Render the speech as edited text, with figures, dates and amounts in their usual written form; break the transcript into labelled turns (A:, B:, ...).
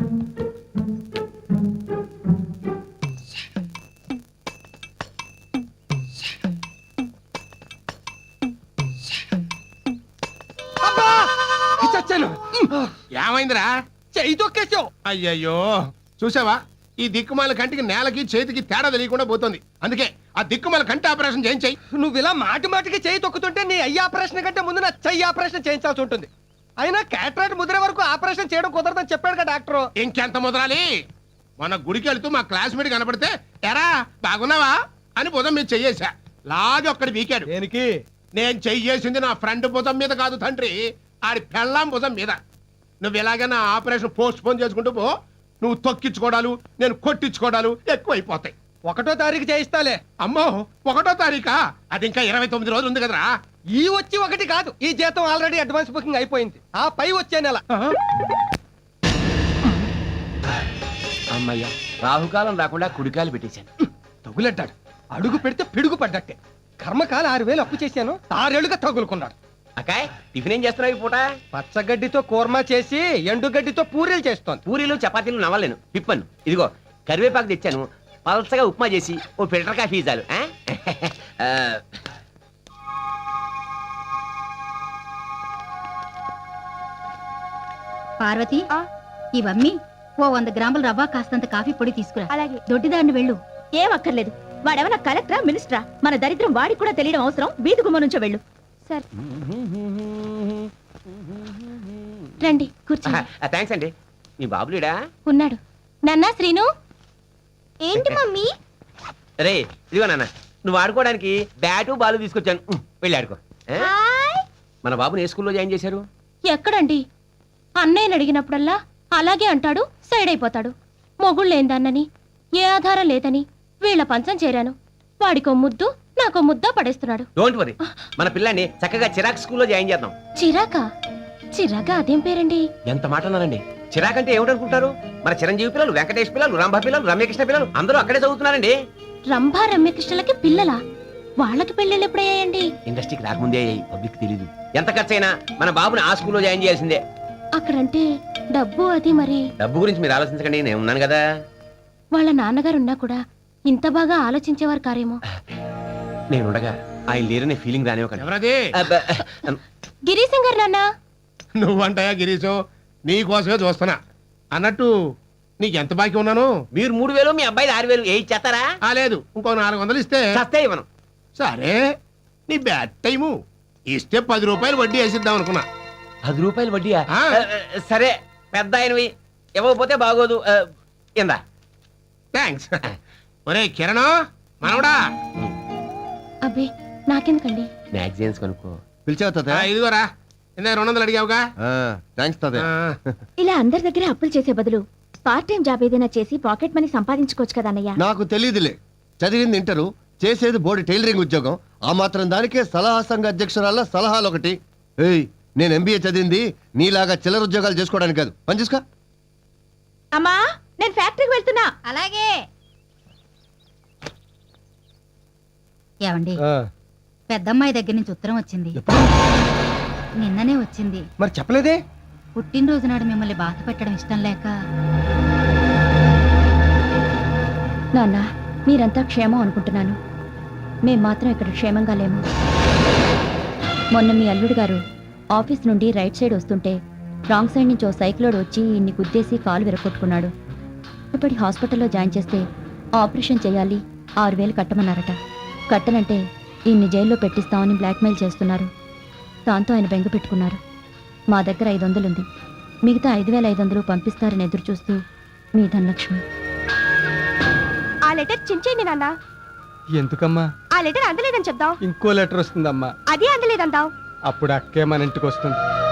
A: ఏమైందిరా?
B: చెయ్యి తొక్కేసావు.
A: అయ్యయ్యో, చూసావా ఈ దిక్కుమాల కంటికి నేలకి చేతికి తేడా తెలియకుండా పోతుంది. అందుకే ఆ దిక్కుమాల కంటి ఆపరేషన్ చేయించాయి.
B: నువ్వు ఇలా మాటి మాటికి చేయి తొక్కుతుంటే నీ అయ్యి ఆపరేషన్ కంటే ముందు నా చెయ్యి ఆపరేషన్ చేయించాల్సి ఉంటుంది. అయినా క్యాటరాక్ట్ ముద్ర వరకు ఆపరేషన్ చేయడం కుదరదని చెప్పాడు కదా డాక్టర్.
A: ఇంకెంత ముదరాలి? మన గుడికి వెళ్తూ మా క్లాస్మేట్ కనపడితే ఎరా బాగున్నావా అని భుజం మీద చెయ్యేశా. లాగి ఒక్కడి వీకాడు.
B: దేనికి?
A: నేను చెయ్యేసింది నా ఫ్రెండ్ భుజం మీద కాదు తండ్రి, ఆడి పెళ్ళాం భుజం మీద. నువ్వు ఎలాగ నా ఆపరేషన్ పోస్ట్ పోన్ చేసుకుంటూ పో. నువ్వు తొక్కించుకోవడాలు, నేను కొట్టించుకోవడాలు ఎక్కువైపోతాయి.
B: 1వ తారీఖు చేయిస్తాలే.
A: అమ్మో, 1వ తారీఖా? అది ఇంకా 29 రోజులు ఉంది కదరా.
B: ఈ వచ్చి 1 కాదు, ఈ జీతం ఆల్రెడీ అడ్వాన్స్ బుకింగ్ అయిపోయింది. ఆ పై వచ్చే నెల.
C: అమ్మయ్యా, రాహుకాలం రాకుండా కుడికాయలు పెట్టేశాను.
B: తగులడ్డాడు. అడుగు పెడితే పిడుగు పడ్డట్టే. కర్మకాల 6,000 అప్పు చేశాను, 6 ఏళ్లుగా తగులుకున్నాడు.
C: అకాయ్, టిఫిన్ ఏం చేస్తున్నావు ఈ పూట?
B: పచ్చగడ్డితో కూర్మా చేసి ఎండుగడ్డితో పూరీలు చేస్తోంది.
C: పూరీలు చపాతీలు నవ్వలేను, పిప్పను. ఇదిగో కరివేపాకు తెచ్చాను, పలసగా ఉప్మా చేసి ఓ ఫిల్టర్ కాఫీ చాలు.
D: పార్వతి, ఇవన్నీ ఓ 100 గ్రాముల రవ్వ, కాస్తంత కాఫీ పొడి తీసుకురా. అలాగే. దొడ్డిదాన్ని వెళ్ళు.
E: ఏం అక్కర్లేదు. వాడేమన్నా కలెక్టరా, మినిస్టరా? మన దరిద్రం వాడికి కూడా తెలియడం అవసరం. వీధి గుమ్మ నుంచో వెళ్ళు. సరే రండి, కూర్చోండి.
C: థ్యాంక్స్ అండి. మీ బాబులేడా?
E: ఉన్నాడు. నాన్నా, శ్రీను. ఏంటి మమ్మీ?
C: రే, ఇదిగో నాన్న, నువ్వు ఆడుకోవడానికి బ్యాటు బాలు తీసుకొచ్చాను, వెళ్ళి ఆడుకో. మన బాబుని ఏ స్కూల్లో జాయిన్ చేశారు?
E: ఎక్కడండి? అన్నయ్యని అడిగినప్పుడల్లా అలాగే అంటాడు, సైడ్ అయిపోతాడు. మొగుళ్ళు లేందన్నని, ఏ ఆధారం లేదని వీళ్ళ పంచం చేరాను. వాడికో ముద్దు, నాకో ముద్ద పడేస్తున్నాడు.
C: డోంట్ వరీ, మన పిల్లాన్ని చక్కగా చిరాక్ స్కూల్లో జాయిన్ చేద్దాం.
E: చిరాకా? చిరాకా అదేం పేరండి?
C: ఎంత మాట అన్నారండి. చిరాక్ అంటే ఏమిటనుకుంటారు? మన చిరంజీవి పిల్లలు, వెంకటేష్ పిల్లలు, రంభ పిల్లలు, రమ్యకృష్ణ పిల్లలు అందరూ అక్కడే చదువుతున్నారండి.
E: రంభా రమ్యకృష్ణలకి పిల్లలా? వాళ్ళకి పెళ్ళిళ్ళు ఎప్పుడయ్యాయండి?
C: ఇండస్ట్రీకి రాకముందే అయ్యాయి, పబ్లిక్ తెలీదు. ఎంత ఖర్చైనా మన బాబుని ఆ స్కూల్లో జాయిన్ చేయాల్సిందే.
E: అక్కడంటే డబ్బు అది మరి.
C: డబ్బు గురించి మీరు ఆలోచించకండి, నేను ఉన్నాను కదా.
E: వాళ్ళ నాన్నగారు ఉన్నా కూడా ఇంత బాగా ఆలోచించేవారు కారేమో.
C: నేనుండగా ఆయన లేరనే ఫీలింగ్ రానివ్వకండి.
A: ఎవరది?
E: గిరీశం గారు నాన్న.
A: నువ్వంటాయా గిరీశు? నీ కోసమే చూస్తున్నా. అన్నట్టు నీకెంత బాకీ ఉన్నాను?
C: మీరు 3,000, మీ అబ్బాయి 6,000 ఏ ఇచ్చేస్తారా?
A: లేదు, ఇంకో 400 ఇస్తే
C: చస్తే ఇవ్వను.
A: సరే, నీ బ్యాడ్ టైము. ఇస్తే 10 రూపాయలు వడ్డీ వేసిద్దాం అనుకున్నా.
C: 10 రూపాయలు వడ్డీయా? సరే, పెద్ద ఆయనవి, ఇవ్వకపోతే బాగోదు. ఇందా.
A: థ్యాంక్స్. ఒరే కిరణ్, మనవడా.
E: అబ్బే, నాకెందుకండి?
C: మ్యాగజైన్స్ కొనుక్కో.
F: పిలిచావుతా?
A: ఇదిగోరా, ఇందా 200 అడిగావుగా.
F: థ్యాంక్స్ తాతయ్య.
E: ఇలా అందరి దగ్గర అప్పులు చేసే బదులు పార్ట్ టైం జాబ్ ఏదైనా చేసి పాకెట్ మనీ సంపాదించుకోవచ్చు కదా అన్నయ్య.
F: నాకు తెలియదులే, చదివింది ఇంటరు, చేసేది బోర్డు టైలరింగ్ ఉద్యోగం. ఆ మాత్రం దానికే సలహా సంఘ అధ్యక్షురాల సలహాలు ఒకటి. ఏయ్, నేను ఎంబీఏ చదివింది నీలాగా చిల్లర ఉద్యోగాలు చేసుకోవడానికి కాదు. పని చూసుకో.
E: అమ్మా, నేను ఫ్యాక్టరీకి వెళ్తున్నా.
D: అలాగే. ఏమండి, పెద్దమ్మాయి దగ్గర నుంచి ఉత్తరం వచ్చింది. నిన్ననే వచ్చింది.
B: మరి చెప్పలేదే?
D: పుట్టినరోజు నాడు మిమ్మల్ని బాధ పెట్టడం ఇష్టం లేక.
E: నాన్న, మీరంతా క్షేమం అనుకుంటున్నాను. మేం మాత్రం ఇక్కడ క్షేమంగా లేము. మొన్న మీ అల్లుడు గారు ఆఫీస్ నుండి రైట్ సైడ్ వస్తుంటే రాంగ్ సైడ్ నుంచి ఓ సైక్లోడ్ వచ్చి ఇన్ని గుద్దేసి కాలు విరగొట్టుకున్నాడు. ఇప్పటి హాస్పిటల్లో జాయిన్ చేస్తే ఆపరేషన్ చేయాలి, 6,000 కట్టమన్నారట. కట్టనంటే ఈయన్ని జైల్లో పెట్టిస్తామని బ్లాక్మెయిల్ చేస్తున్నారు. దాంతో ఆయన బెంగ పెట్టుకున్నారు. మా దగ్గర 500 ఉంది, మిగతా 5,500 పంపిస్తారని ఎదురు చూస్తూ మీ ధనలక్ష్మి.
G: ఆ లెటర్ చించేయండి నాన్న.
B: ఎందుకమ్మా?
G: ఆ లెటర్ అందలేదని చెప్దాం.
B: ఇంకో లెటర్ వస్తుందమ్మా.
G: అదే అందలేదందాం.
B: అప్పుడు అక్కే మన ఇంటికి వస్తుంది.